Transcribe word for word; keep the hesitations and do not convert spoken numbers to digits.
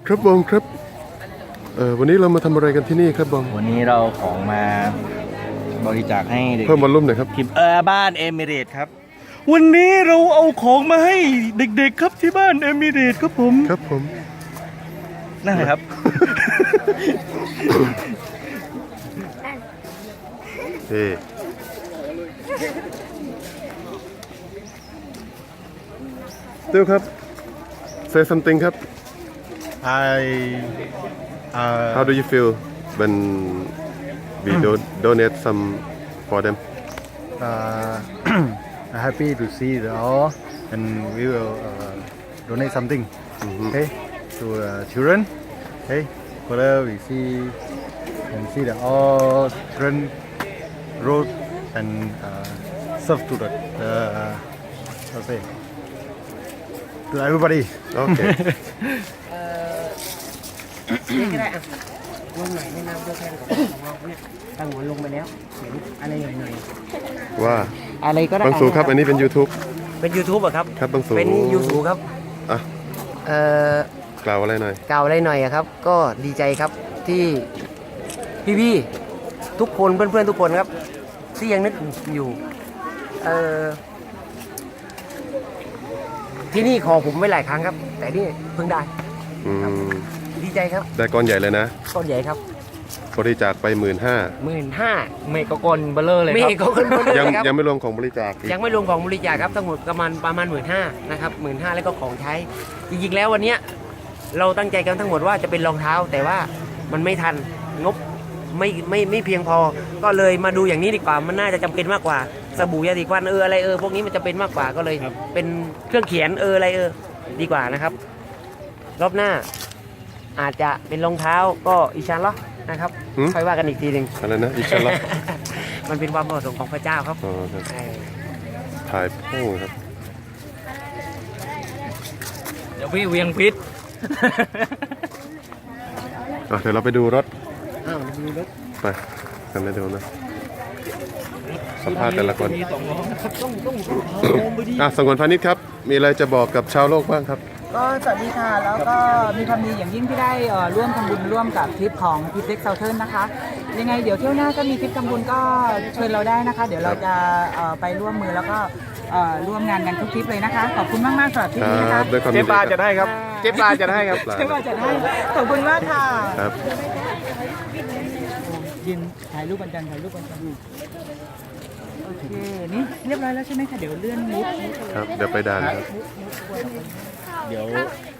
ครับบองครับเออวันนี้เรามาทำอะไรกันที่นี่ครับบองวันนี้เราของมาบริจาคให้เด็กเพิ่มวอลลุ่มหน่อยครับทีมเออบ้านเอมิเรตครับวันนี้เราเอาของมาให้เด็กๆครับที่บ้านเอมิเรตครับผมครับผมนั่นแหละครับเฮ้ติวครับ say something ครับ I uh, how do you feel when we do donate some for them uh, happy to see the all and we will uh, donate something okay to uh, children okay further we see and see the all children road and uh, serve to the uh, how to say to everybody โอเคนี่ก็ได้อ่ะลงหน่อยแนะนำตัวแทนของเราเนี่ยตั้งหัวลงไปแล้วเขียนอะไรหน่อยว่าๆอะไรก็ได้บางสูครับ อันนี้เป็น YouTube เป็น YouTube เหรอครับครับบางสูเป็น YouTube ครับอ่ะเอ่อกล่าวอะไรหน่อยกล่าวอะไรหน่อยอะครับ ก็ดีใจครับที่พี่ๆทุกคนเพื่อนๆทุกคนครับ ที่ยังนึกอยู่เอ่อที่นี่ขอผมไว้หลายครั้งครับ แต่นี่เพิ่งได้อืมดีใจครับได้ก้อนใหญ่เลยนะก้อนใหญ่ครับบริจาคไปหมื่นห้าหมื่นห้าเมกะกลเบลเลอร์เลยไม่ครับเห็นเขาขึ้นมาเลยยังครับยังไม่รวมของบริจาคอีกยังไม่รวมของบริจาคครับทั้งหมดประมาณประมาณหมื่นห้านะครับหมื่นห้าแล้วก็ของใช้ จริงๆแล้ววันเนี้ยเราตั้งใจกันทั้งหมดว่าจะเป็นรองเท้า แต่ว่ามันไม่ทันงบไม่ไม่ไม่เพียงพอ ก็เลยมาดูอย่างนี้ดีกว่ามันน่าจะจำเป็นมากกว่าสบู่ยาสีฟันเอออะไรเออพวกนี้มันจะเป็นมากกว่าก็เลย เป็นเครื่องเขียนเอออะไรเออดีกว่านะครับ รอบหน้า อาจจะเป็นรองเท้าก็อิชันเหรอนะครับค่อยว่ากันอีกทีหนึ่งอะไรนะอีกชั้นละมันเป็นความประสงค์ของพระเจ้าครับอ๋อครับใช่ถ่ายโป้งครับเดี๋ยวพี่เวียงพิษอ่ะเดี๋ยวเราไปดูรถอ้าวดูรถไปกันเลยเดี๋ยวนะ สัมภาษณ์แต่ละคนต้องต้องอ่ะสงวนพาณิชย์ครับ มีอะไรจะบอกกับชาวโลกบ้างครับก็สวัสดีค่ะ แล้วก็มีความดีอย่างยิ่งที่ได้เอ่อร่วมทำบุญร่วมกับทริปของพิเซ็กเซาเทิร์นนะคะ ยังไงเดี๋ยวเที่ยวหน้าก็มีทริปทำบุญก็เชิญเราได้นะคะ เดี๋ยวเราจะเอ่อไปร่วมมือแล้วก็เอ่อร่วมงานกันทุกทริปเลยนะคะ ขอบคุณมากมากๆสำหรับทริปคนี้นะรัคะบด้วยความเจ๊ยินดีปลาคจะรับได้ครับ เจ๊ปลาจะได้ครับใช่ว่าจะได้ขอบคุณมากค่ะครับยินถ่ายรูปกันจันถ่ายรูปกันจันโอเค นี่เรียบร้อยแล้วใช่ไหมคะ เดี๋ยวเลื่อนมุดครับ เดี๋ยวไปด่านครับเดี๋ยว